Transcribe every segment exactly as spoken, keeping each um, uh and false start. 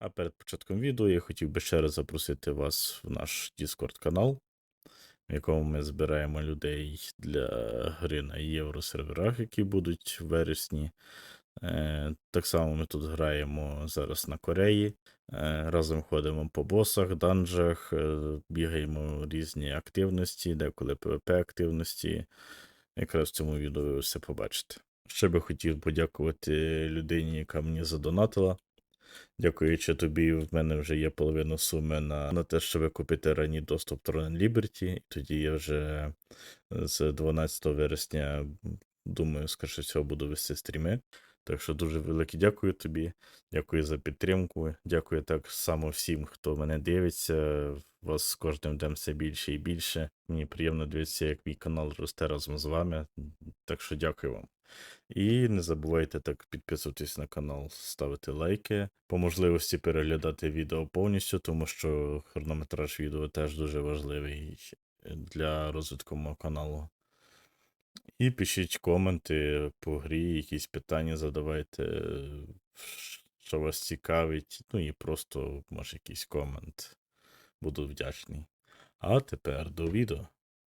А перед початком відео я хотів би ще раз запросити вас в наш Discord канал, в якому ми збираємо людей для гри на євросерверах, які будуть в вересні. Е, Так само ми тут граємо зараз на Кореї. Е, Разом ходимо по босах, данжах, е, бігаємо різні активності, деколи PvP-активності. Якраз в цьому відео ви все побачите. Ще би хотів подякувати людині, яка мені задонатила. Дякуючи тобі, в мене вже є половина суми на, на те, щоб купити ранній доступ Tron Liberty. Тоді я вже з дванадцятого вересня, думаю, скоріше всього, буду вести стріми. Так що дуже велике дякую тобі. Дякую за підтримку. Дякую так само всім, хто мене дивиться. Вас з кожним днем все більше і більше. Мені приємно дивитися, як мій канал росте разом з вами. Так що дякую вам. І не забувайте так підписуватись на канал, ставити лайки, по можливості переглядати відео повністю, тому що хронометраж відео теж дуже важливий для розвитку мого каналу. І пишіть коменти по грі, якісь питання задавайте, що вас цікавить, ну і просто, може, якийсь комент. Буду вдячний. А тепер до відео.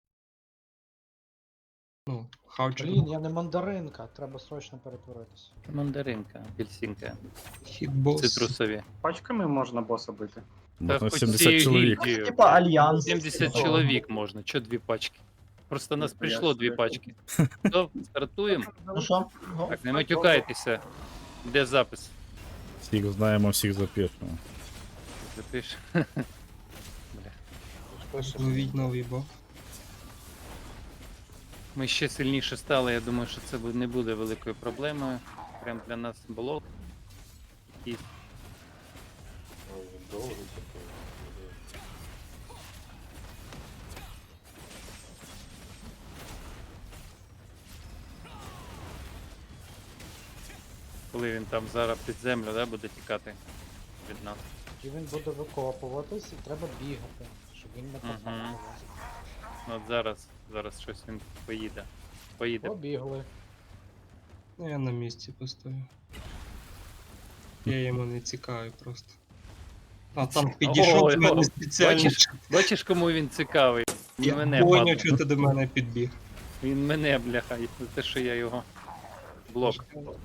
Ну, хавчик. Блін, я не мандаринка, треба срочно перетворитися. Мандаринка, апельсинка, Хітбос. цитрусові. Пачками можна боса бити. Можна хоч сімдесят цією чоловік. гільдією. Типа альянс. сімдесят чоловік можна, чо дві пачки? Просто нас Я прийшло дві собі- пачки. То, стартуємо. Ну що? Ну, Так, не матюкайтеся. Де запис? Всіх знаємо, всіх запишемо. Запиш. Ловіть новий бок. Ми ще сильніше стали, я думаю, що це бу- не буде великою проблемою. Прям для нас блок. І коли він там зараз під землю, да, буде тікати від нас. І він буде викопуватись і треба бігати, щоб він не попав. Мгм. на вас. Ну, От зараз, зараз щось він поїде. Поїде. Побігли. Ну я на місці постою. Я йому не цікавий просто. А там підійшов Ой, до мене о, спеціально. Бачиш, бачиш, кому він цікавий? Він Я мене, поняв, падла. що ти до мене підбіг. Він мене, бляха, і за те, що я його блок.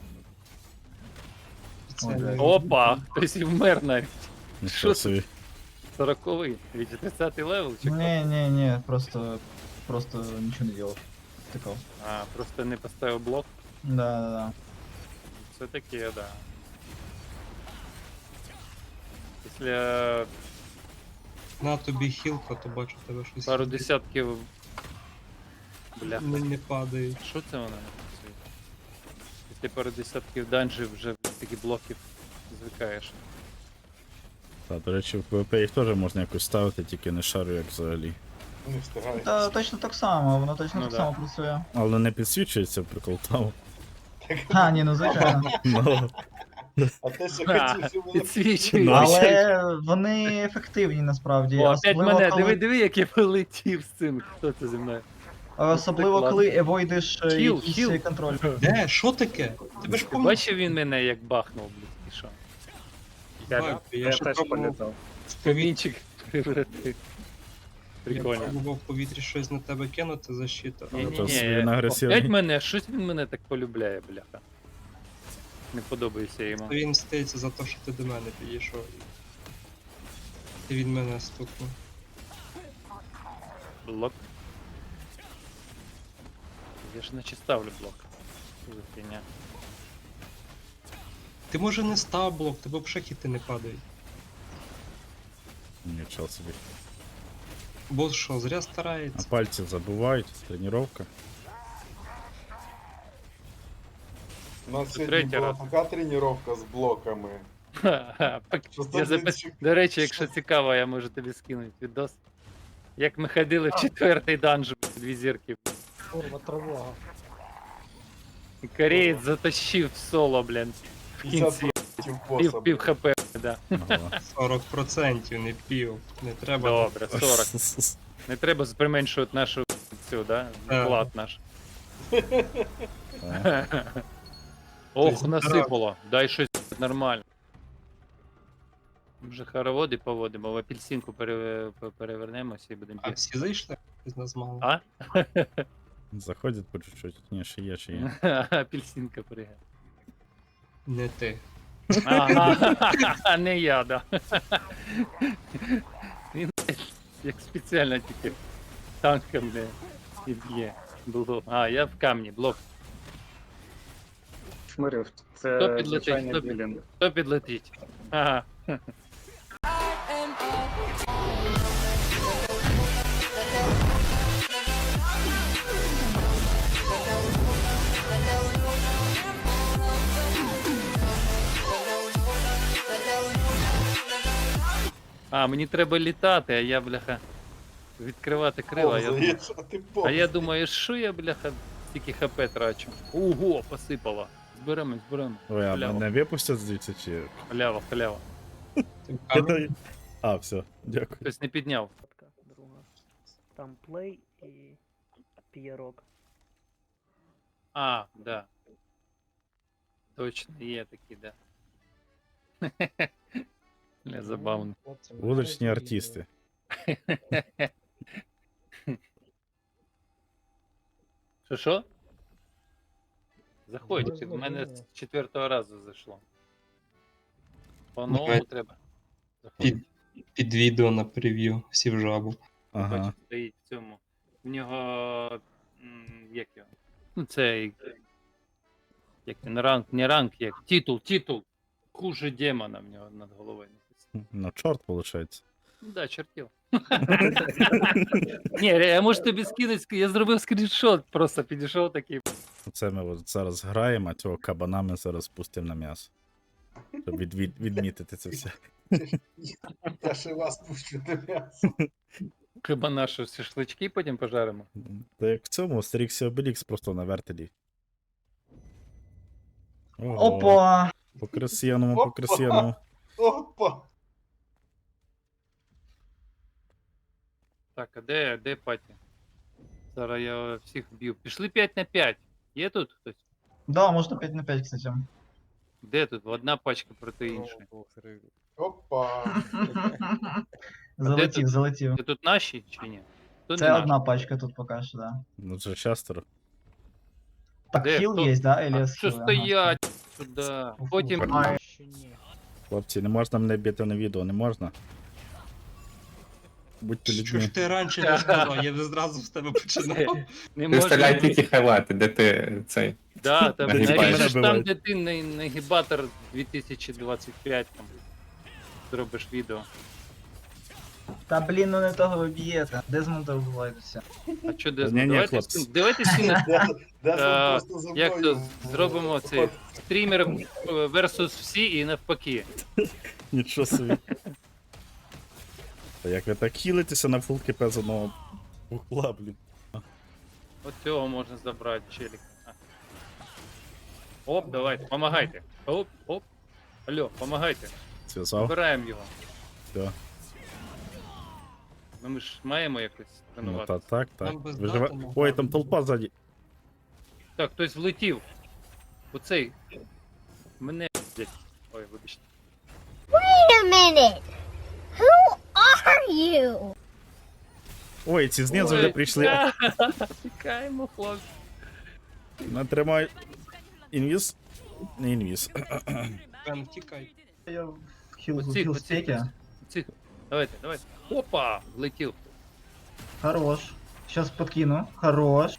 Спеціально. Опа! Хтось і вмер навіть. Нічого це? собі. Сороковий. Від тридцятий левел чи хто? не, не, не, просто, просто ничего не делал. Тыкал. А, просто не поставив блок. Да, да, да. Це таке, да. Після На тобі хілка, то бачу тебе щось. пару десятків. Бляха. Не, не падають. Що це вона не працює? Після пару десятків данжів вже такі блоків звикаєш. Та, до речі, в PvP їх теж можна якось ставити, тільки не шарю, як взагалі. Не встигаю. Та точно так само, воно точно Ну так да. само працює. Але не підсвічується прикол там. А, ні, ну звичайно. Ну, А те, що А, хотів, щоб воно Підсвічує. Ну, Але вони ефективні насправді. О, опять Особливо, мене, коли, диви, диви, як я полетів з цим. Хто це зі мною? особливо Так, коли евойдиш е, Хіл, якийсь хіл. контроль. Де? Що таке? Тебе ж Ти помню. бачив він мене як бахнув, блядь, і що? Я, я ще теж пробував політав. в повітрі, Камінчик превратив. я Прикольно. пробував в повітрі щось на тебе кинути, защита. Ні, але ні, то ні. він агресивний. Опять мене, щось він мене так полюбляє, бляха. Не подобається йому. Він стається за те, що ти до мене підійшов. Ти від мене стукнув. Блок. Я ж наче ставлю блок. Що за фігня? Ти може не став блок, тебе взагалі хіти не падають. нічого собі. Бос що, зря А старається. пальці забувають, тренування. У нас Це сьогодні третій була раз. така тренування з блоками. Ха-ха, пак- Що Я за запис... блінчик? До речі, якщо цікаво, я можу тобі скинути відос. Як ми ходили в четвертий данж, дві зірки. Курва, тривога. І кореєць затащив в соло, блін. В кінці. п'ятдесят боса. Пів, пів хп, да. Ага. сорок відсотків, не пів. Не треба. Добре, сорок. Не треба применшувати нашу цю, да? Так. Вклад наш. Так. Ох, Тобто, насипало. Дай щось нормально. Вже хороводи поводимо, в апельсинку пере... перевернемося і будемо А бігти. всі зайшли? З нас мало. А? Заходять по чуть-чуть. Ні, ще є, ще є. Апельсинка пригає. Не ти. Ага, не я, да. Він як спеціально тільки танком не і б'є. Було. А, я в камні, блок. Шмирив, Хто це підлетить? звичайний Хто під- білінг. Хто підлетить? Ага. А, мені треба літати, а я, бляха, відкривати крила. а Я, думаю- Повзаєш, а ти а повз. я думаю, що я, бляха, тільки хп трачу. Ого, посипало. Зберемо, зберемо. Ой, а Халява. мене випустять звідси чи. Халява, халява. Ти в Я камері? дай- А, все, дякую. Хтось не підняв. Друга. Там плей і пієрок. А, да. Точно, є такі, да. Не забавно. Хлопці, ми Вуличні зараз артисти. Що що? Заходь, Можна в мене було. з четвертого разу зайшло. По Давай. новому треба. Під, Заходь. під відео на прев'ю сів жабу. Ага. Бачиш, стоїть в цьому. В нього. м, Як його? Ну, це. Як він ранг, не ранг, як. Титул, титул. Хуже демона в нього над головою написано. Ну, чорт, виходить. Ну да, чертів. Ні, я можу тобі скинути, я зробив скріншот, просто підійшов такий. Це ми от зараз граємо, а цього кабана ми зараз пустимо на м'ясо. Щоб від, від, відмітити це все. Я ще вас пущу на м'ясо. Хіба наші шашлички потім пожаримо? Та як в цьому Астеріксі Обелікс просто на вертелі. Ого, Опа! по красивому, по Опа. красивому. Опа! Так, а де, де паті? Зараз я всіх б'ю. Пішли п'ять на п'ять. Є тут хтось? Да, можно пять на пять, кстати. Де тут? Одна пачка проти іншої. Опа! Залетів, тут? залетів. Це тут наші чи ні? Хто не Це наш? одна пачка тут поки що, да. Ну це шестеро. Так, Де? хіл Хто? є, да? А Еліас що хіл, ага. стоять сюди? Потім. Ай, Ще ні. Хлопці, не можна мене бити на відео, не можна. Будьте Що людьми. ж ти раніше не сказав, я б зразу з тебе починав. Не Виставляй можна. тільки хайлайти, де ти цей. Да, там Нагибаєш. наріжеш там, Набиваєш. де ти на- нагибатор дві тисячі двадцять п'ять там. Зробиш відео. Та блін, ну не того ви б'єте. Дезмонда вбиваються. А що Ні, де? ні, Давайте хлопці. скин- давайте скинемо. Де ж Е, він просто за Як мною то в- зробимо цей От, стрімер е, versus всі і навпаки. Нічого собі. Та як ви так хілитеся на фул КП з одного вугла, блін. От цього можна забрати, челік. А. Оп, давайте, помагайте. Оп, оп. Алло, помагайте. Зв'язав. Забираємо його. Все. Ну ми ж маємо якось Ну тренувати. та так, так. Там без Виживе... дати можна. Ой, там толпа ззаді. Так, хтось влетів. Оцей. Мене. блядь. Ой, вибачте. Wait a minute. Who are you? Ой, ці знизу вже Ой, прийшли. ха, Тікаємо, хлопці. Натримай. Інвіз. Не інвіз. Бен, тікай. Я в хіл, в Оці, хіл оці, стекі. оці. Давайте, давайте. Опа! Влетів. Хорош. Сейчас подкину. Хорош.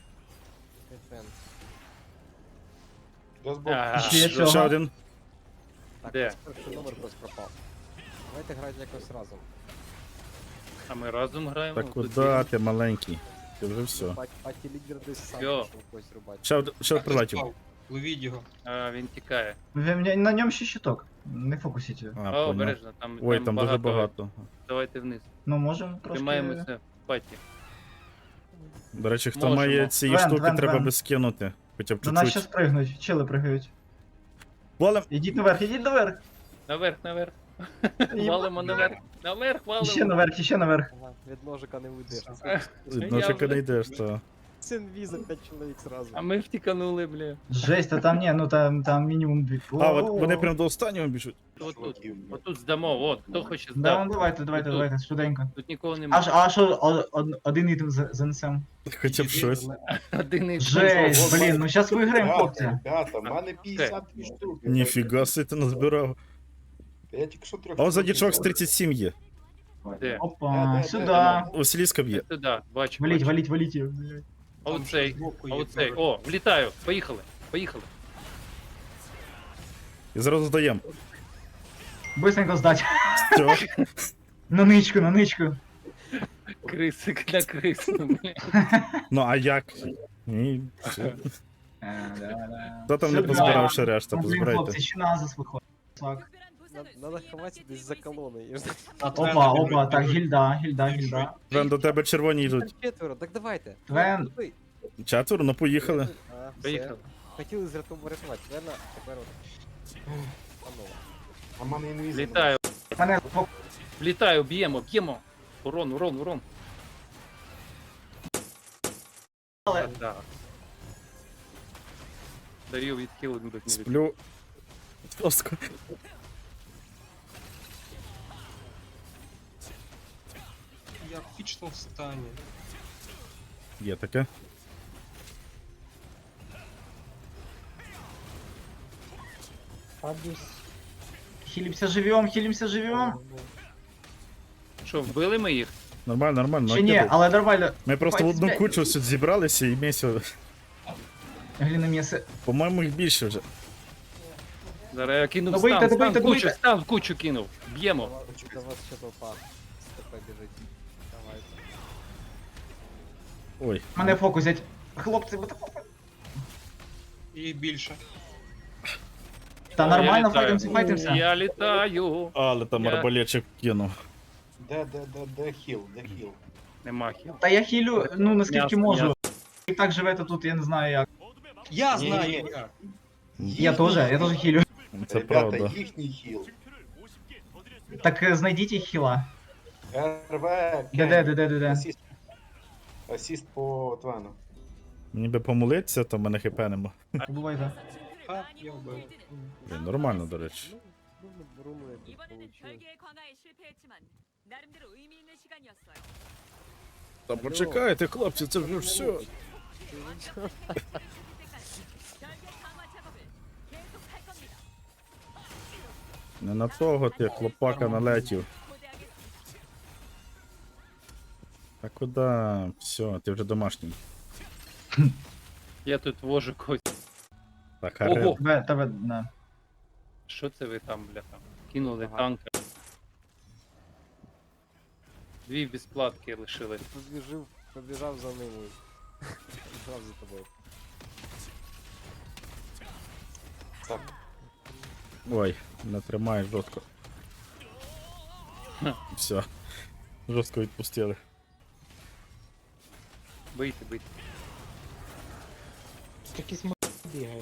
Зараз був- А, Ще Ще цього. один. Де? Перший номер хтось пропав. Давайте грати якось разом. А ми разом граємо. Та Тут куди ти маленький? Ти вже все. Паті, паті лідер десь сам Йо. пішов когось рубати. Ще, од- ще прилетів. Впав. Ловіть його. А, він тікає. Ви мені- На ньому ще щиток. Не фокусіть його. А, О, понял. обережно, там, Ой, там дуже багато. Давайте вниз. Ну можемо трошки. Тримаємося в паті. До речі, хто Можемо. має ці Вен, штуки, вен, треба вен. би скинути. Хоча б До нас чуть-чуть. щас пригнуть. Чили пригають. Валим! Ідіть наверх, ідіть наверх. Наверх, наверх. Валимо наверх. Наверх, валимо. Іще наверх, іще наверх. Ага, від ножика не уйдеш. Я Ножика вже- не йдеш, то. Синві за п'ять чоловік зразу. А ми втіканули, бля. Жесть, а там ні, ну там, там мінімум дві. А, от вони прям до останнього біжуть. Отут, отут здамо, от, хто хоче Да, здати. ну давайте, давайте, Тут. давайте, швиденько. Тут нікого Аж, немає. а що, о- од- один ітем за- занесем? Хоча б щось. Один із Жесть, блін, ну зараз виграємо, хлопці. Ребята, в мене п'ятдесят дві штуки. Ніфіга си ти назбирав. Я тільки що трьох. А он ззаді штук чувак з взяв. тридцять сім є. Де? Опа, Де, де, сюди. де, Василіска б'є. Сюди, бачу. Валіть, бачу. валіть, валіть. їх, блядь. А Там оцей, ще збоку а є оцей. король. О, влітаю. Поїхали. Поїхали. І зразу здаємо. Быстренько здать. Все. На ничку, на ничку. Крисик на крису, бля. Ну а як? Ні. все. Е, да, да. Хто там не Сюди. позбирав ще решта, Ну, блін, позбирайте. хлопці, ще назис виходить. Так. Надо ховатися десь за колоною. Опа, опа, так, гільда, гільда, гільда. Вен, до тебе червоні йдуть. Четверо, так давайте. Твен. Туди. Четверо, ну поїхали. А, все. Поїхали. Хотіли зрятувати врятувати. Твена, тепер от. Панове. А в мене інвізор. Влітаю. Мене по- Влітаю, б'ємо, б'ємо. Урон, урон, урон. Але- Да. Дарю відхилити будуть не від... Сплю. Жорстко. Я в пічному стані. Є таке. Фабіс. Хілімся живем, хілімся живем. Що, вбили ми їх? Нормально, нормально. Чи ні, накидуй. але нормально. Ми просто в одну Блядь. кучу сюди зібралися і місяць. Гліна м'ясо. По-моєму, їх більше вже. Зараз я кинув Добийте, стан, добийте, стан в кучу, добийте. стан в кучу кинув. Б'ємо. До вас ще толпа. Степе біжить. Давайте. Ой. Мене фокусять. Хлопці, ви тако. І більше. Та О, я нормально, літаю. файтимся, файтимся. Я літаю. Але там Я- арбалетчик кинув. Де, де, де, де хіл, де хіл? Нема хіл. Та я хілю, ну наскільки Ясно, можу. І так живете тут, я не знаю як. Я Ні, знаю ні. як. Я теж, я теж хілю. Це Ребята, правда. їхній хіл. Так е, знайдіть їх хіла. РВ, Де, де, де, де, де, де. Асіст. Асіст по Твену. Мені би помолитися, то в мене хп нема. Бувайте. А, я вбив. Блін, нормально, до речі. Ну, ну, руну я тут получив. Та почекайте, хлопці, це вже все. Не на того ти, хлопака налетів. Та куди? Все, ти вже домашній. Я тут вожу когось. Так, Ого. Харел. Тебе, тебе, на. Що це ви там, бля, там? Кинули Ага. танка. Дві безплатки лишили. Побіжив, побіжав за ними. Побіжав за тобою. Так, Ой, не тримаєш жорстко. Все. Жорстко відпустили. Бийте, бийте. Якийсь м... бігає.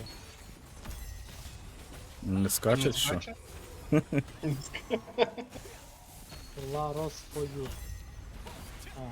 Не скачуть, що? Скаче? Ла розпою. А.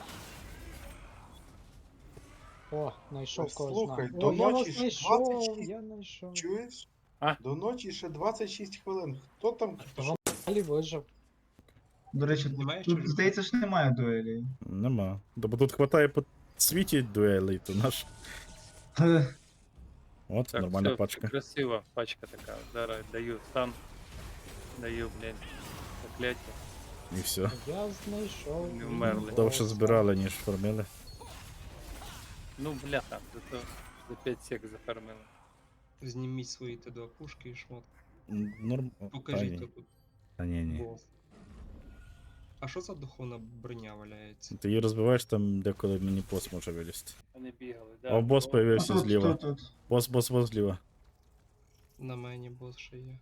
О, знайшов когось Слухай, знаю. до О, я ночі вас ж знайшов, двадцять шість. я знайшов. чуєш? А? До ночі ще двадцять шість хвилин. Хто там? Того Алі вижив. До речі, Немає тут, ще? здається, ж немає дуелі. Нема. Да, бо тут хватає по світі дуелей, то наш. Е, От, Так, нормальна все, пачка. красива пачка така. Зараз даю стан. Даю, блядь, закляття. І все. Я знайшов. Не вмерли. Довше збирали, ніж фармили. Ну, бляха, зато за п'ять сек зафармили. Зніміть свої ті два пушки і шмот. М, Норм. О, та Покажіть ні. тут Та ні, ні. бос. А що за духовна броня валяється? Ти її розбиваєш там, деколи мені бос може вилізти. Вони бігали, да. О, бос появився Тут, зліва. тут, тут. Бос, бос, бос зліва. На мені бос ще є.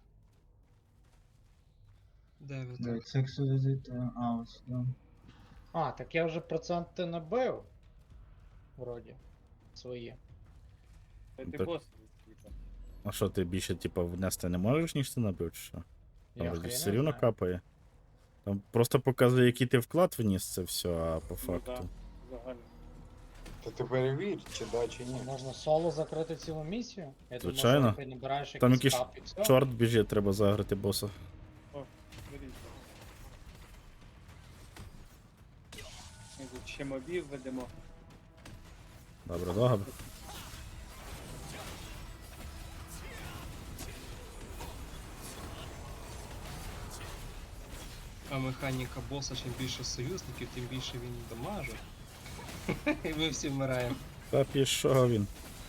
Де ви Де, так? це як сюди зайти? А, ось сюди. А, так я вже проценти набив. Вроді. Свої. Це ти Так. бос. типа. А що, ти більше, типа, внести не можеш, ніж ти набив, чи що? Там Я вроді хрена все рівно знаю. капає. Там просто показує, який ти вклад вніс, це все, а по Ну, факту. да, загально. Та ти перевір, чи да, чи ні. Можна соло закрити цілу місію? Я Звичайно. думаю, що ти набираєш Там якийсь якийсь кап і все. Чорт біжить, треба заграти боса. О, беріть. Ми тут ще мобів ведемо. Добре, добре. А механіка боса, чим більше союзників, тим більше він дамажить. І ми всі вмираємо. Та пішов він.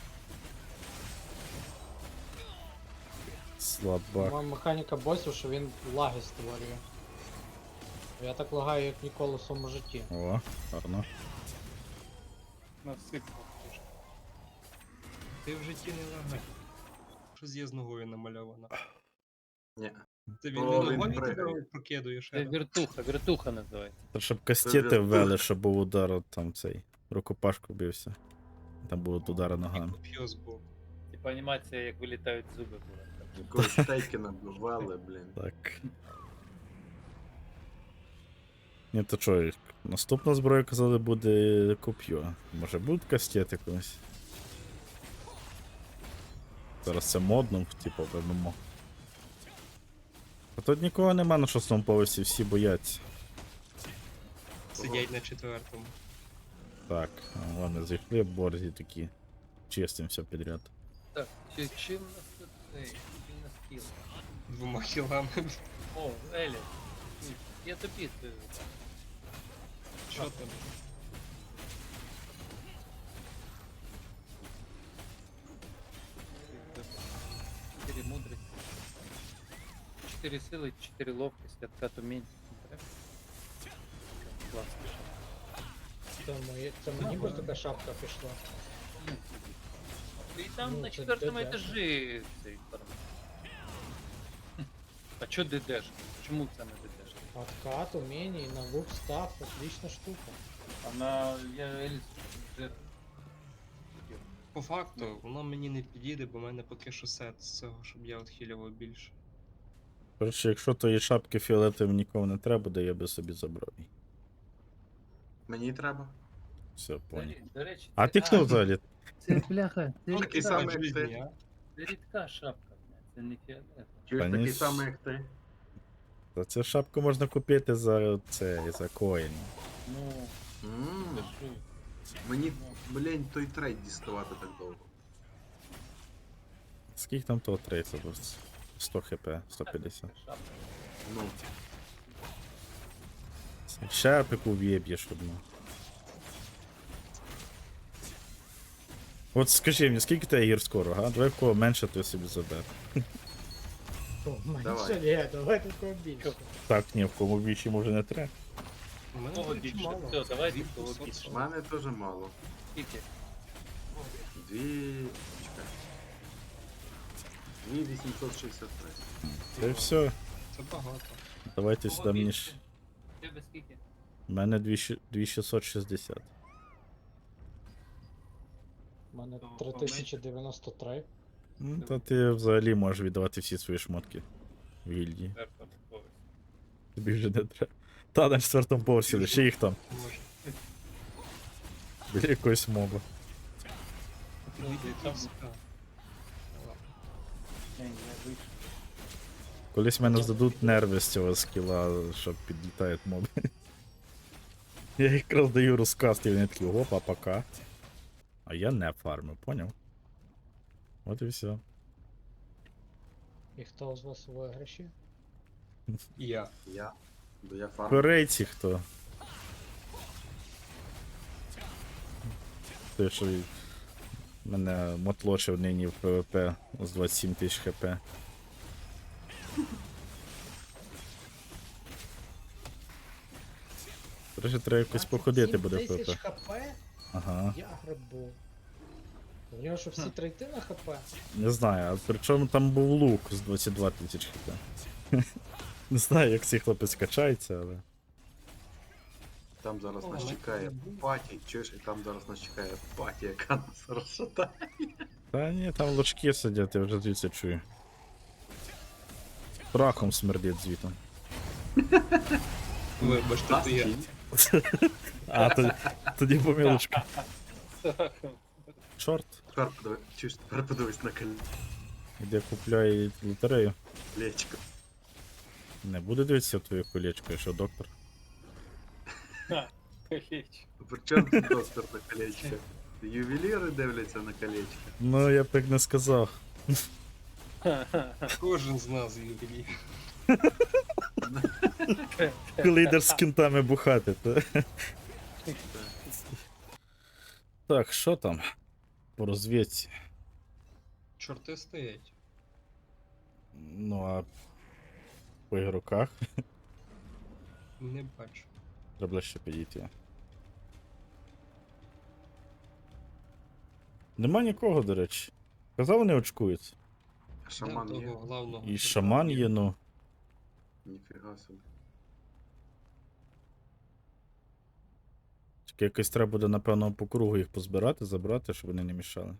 Слабак. Моя механіка босів, що він лаги створює. Я так лагаю, як ніколи в своєму житті. О, гарно. Насипав. Ти в житті не лагай. Щось є з ногою намальовано. Ні. Ти він О, не він ногою пригає. тебе прокидуєш. Це віртуха, віртуха називається. Та щоб кастети ввели, щоб був удар от там цей. Рукопашку бився. Там будуть удари ногами. Коп'є збоку. Типа анімація, як вилітають зуби була. Якогось Тейкена бували, блін. Так. Ні, то що, наступна зброя, казали, буде коп'ю. Може будуть кастети колись? Зараз це модно, типу, ем ем о. А тут нікого нема на шостому поверсі, всі бояться. Сидять на четвертому. Так, а, ладно, зайшли борзі такі. Чистимся підряд. Так, чи, чим нас тут цей? Чим нас кіл? Двома хілами. О, Елі. Я тобі це. Що там? Чотири мудрості. Чотири сили, чотири ловкості, откат умінь. Класно. Це, моє, це мені би така шапка пішла. І там Ну, на це четвертому ДД. етажі цей формат. А чо ДДшка? Чому це не ДДшка? Откат, уміння, на лук став, отлична штука. Вона, я Еліс вже По факту, воно мені не підійде, бо в мене поки що сет з цього, щоб я отхилював більше. Коротше, якщо тої шапки фіолетової нікому не треба, то я би собі забрав її. Мені треба. Все, понял. До, до речі, А це- ти хто взагалі? Це бляха, це Ну, рідка, такий самий, як жизні, ти. а? це рідка шапка, бля, це не фіолет. Чуєш Та такий ні. самий, як ти. Та цю шапку можна купити за це, за коїн. Ну, Ммм, кажу. мені, блін, той трейд діставати так довго. Скільки там того трейса було? сто хп, сто п'ятдесят. Шапка. Ну, Шапику в'єб'єш одну. От скажи мені, скільки тебе гір скоро, га? Давай в кого менше, то я собі заберу. Менше Давай. ні, давай такого більше. Так, ні, в кому більше може не треба. У мене Кого до речі, більше? мало. Все, давайте Дві кого п'ятсот більше. в сорок. мене теж мало. Скільки? Дві. Чекай. Дві вісімсот шістдесят три. Та й все. Це багато. Давайте Кого сюди мені більше? ж. Тебе скільки? У мене дві шістсот шістдесят. У мене То три тисячі дев'яносто три. Ну, та ти взагалі можеш віддавати всі свої шмотки в гільдії. Четвертого поверсі. Тобі вже не треба. Та на четвертому поверсі, лише їх там. Може. Біля якоїсь моби. Вийде там. війська. Ні, я вийшов. Колись мене здадуть нерви з цього скіла, щоб підлітають моби. Я якраз даю розказ, і вони такі, опа, пока. А я не фармив, поняв? От і все. І хто з вас у виграші? Я. Я. Бо я фарм. Корейці хто? Той, що й- мене мотлочив нині в ПВП з двадцять сім тисяч хп. Короче, треба якось походити буде в тисяч ПВП. хп? Ага. Я грибу. У нього що всі трейти на хп? Не знаю, а причому там був лук з двадцять два тисяч хп. Не знаю, як цей хлопець качається, але. Там зараз О, нас ми- чекає паті. Чуєш, і там зараз нас чекає паті, яка нас розшатає. Та ні, там лучки сидять, я вже звідси чую. Прахом смердить звітом. Вибачте, Нас то я. чи ні? А, тоді, тоді помилочка. Чорт, Тепер подивись, чуєш, тепер подивись на іде купляє лотерею. колечко. Не буде дивитися в твоє колечко, якщо доктор. Колечко. При чому тут доктор на колечко? Ювеліри дивляться на колечко. Ну, я б так не сказав. Кожен з нас ювелір. Коли йдеш з кінтами бухати, то. Так, що там? По розвідці. Чорти стоять. Ну а по ігроках Не бачу. треба ще підійти. Нема нікого, до речі. Казав, вони очкуються. Шаман Да, є. того главного. І шаман є, ну. Ніфіга собі. Тільки якось треба буде, напевно, по кругу їх позбирати, забрати, щоб вони не мішали.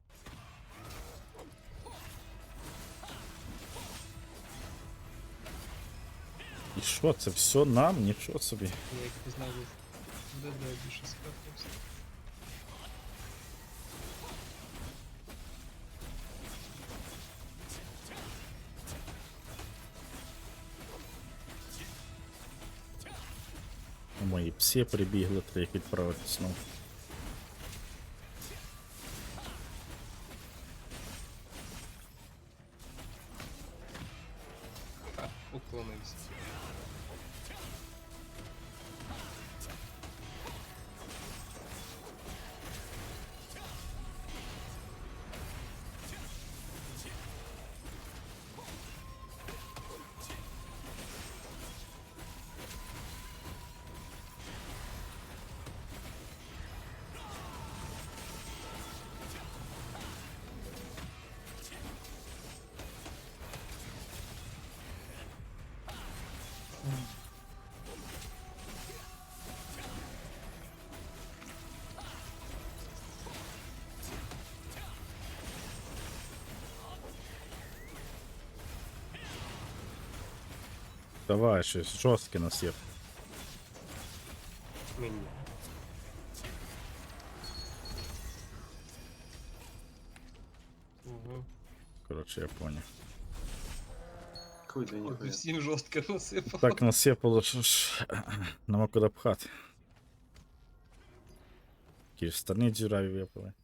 І що, це все нам? Нічого собі. Я як не знаю, де де більше спрятався. Мої пси прибігли, треба їх відправити знову. А, уклонився. Давай, щось жорстке нас є. Мені. Угу. Коротше, я поняв. Хуй для ніхуя. Всім жорстко насипав. Так насипало, що ж нема куди пхати. Ті ж штани дзюраві випали.